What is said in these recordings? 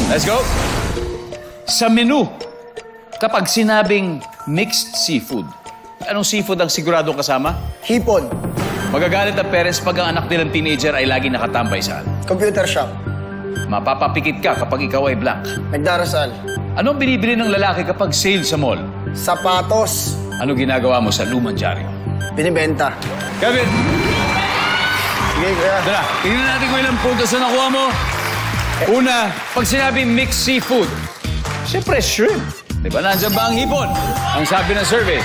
Let's go. Sa menu, kapag sinabing mixed seafood, anong seafood ang siguradong kasama? Hipon. Magagalit ang parents pag ang anak nilang teenager ay lagi nakatambay saan? Computer shop. Mapapapikit ka kapag ikaw ay blank. Nagdarasal. Anong binibili ng lalaki kapag sale sa mall? Sapatos. Ano ginagawa mo sa lumang dyaryo? Binibenta. Kevin, Sige, kuya. tara, tingnan natin kung ilang puntos na nakuha mo. Una, pag sinabing mixed seafood, siyempre shrimp. Di ba? Nandiyan ba ang hipon? Ang sabi ng survey.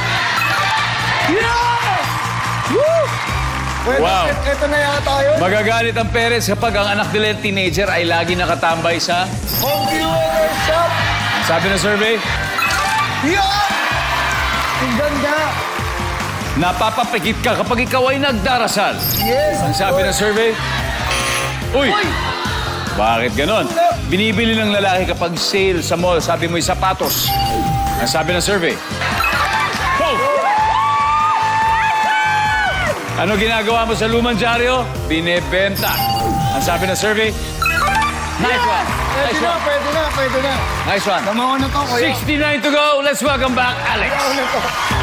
Yes! Woo! Pwede, Wow. Ito na yata yun. Magagalit ang parents kapag ang anak nila yung teenager ay lagi nakatambay sa... Computer shop. Ang sabi ng survey, Yan! Ang ganda. napapapikit ka kapag ikaw ay nagdarasal. Yes! Ang sabi ng survey, Uy! Bakit ganon? Binibili ng lalaki kapag sale sa mall, sabi mo'y sapatos. Ang sabi ng survey, Oh! Ano ginagawa mo sa lumang dyaryo? Binebenta. Ang sabi ng survey, Nice one. Pwede Nice na, one. pwede na, pwede na. Nice one. Tamawa na to, kuya. 69 to go. Let's welcome back, Alex. Tamawa na to.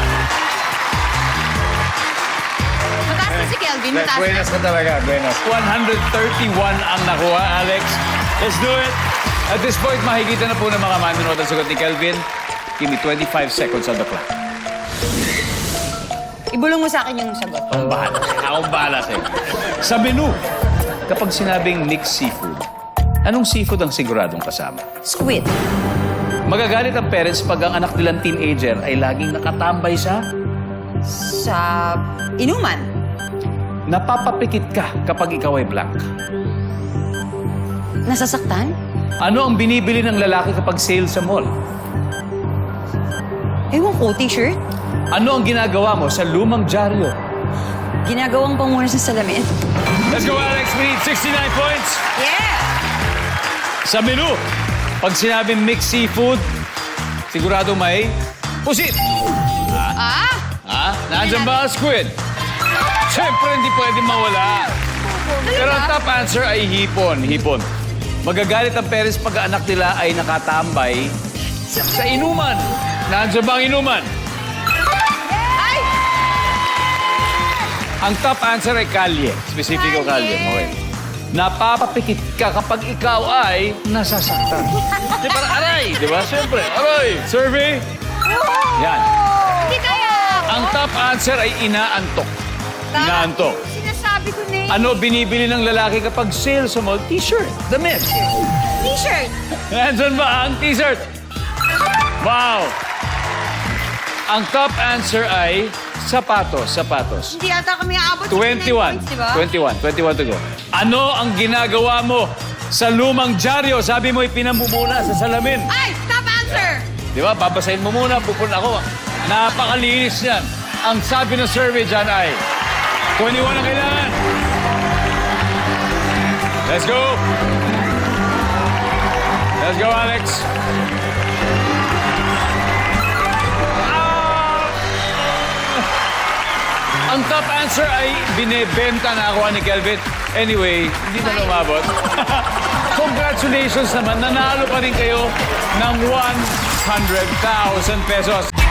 Mataas na si Kelvin, mataas na. Buenas ka talaga, buenas. 131 ang nakuha, Alex. Let's do it. At this point, makikita na po ng mga manunod ang sagot ni Kelvin. Give me 25 seconds on the clock. Ibulong mo sa akin yung sagot. Akong bahala. Akong bahala sa'yo. Sa menu, kapag sinabing mixed seafood, anong seafood ang siguradong kasama? Squid. Magagalit ang parents pag ang anak nilang teenager ay laging nakatambay sa... Sa inuman. Napapapikit ka kapag ikaw ay blank. Nasasaktan? Ano ang binibili ng lalaki kapag sale sa mall? Ewan ko, t-shirt. Ano ang ginagawa mo sa lumang dyaryo? Ginagawang panguna sa salamin. Let's go, Alex. We need 69 points. Yeah! Sa menu, pag sinabing mixed seafood, sigurado may pusit. Ah! Ha? Nandiyan ba ang squid? Siyempre, hindi pwede mawala. Pero ang top answer ay hipon. Hipon. Magagalit ang parents pag ang anak nila ay nakatambay sa inuman. Nandiyan ba ang inuman? Ay! Ang top answer ay kalye. Specifico kalye. Okay. Napapapikit ka kapag ikaw ay nasasaktan. Di parang aray, di ba? Siyempre, aray. Survey? Yan. Hindi kaya ako. Ang top answer ay inaantok. Inaantok. Sinasabi ko na yun. Ano binibili ng lalaki kapag sale sa mall? T-shirt. Damit. T-shirt. Nandun ba ang t-shirt? Wow. Ang top answer ay sapatos. Sapatos. Hindi ata kami aabot sa 21. 9 points, di ba? 21 to go. Ano ang ginagawa mo sa lumang dyaryo? Sabi mo ipinamumuna sa salamin. Ay! Top answer! Di ba? Babasahin mo muna. Pupun ako. Napakalinis yan. Ang sabi ng survey dyan ay 21 ang kailangan. Let's go. Let's go, Alex. Ang top answer ay binebenta na ako ni Kelvin. Anyway, hindi na lumabot. Congratulations naman, nanalo pa rin kayo ng 100,000 pesos.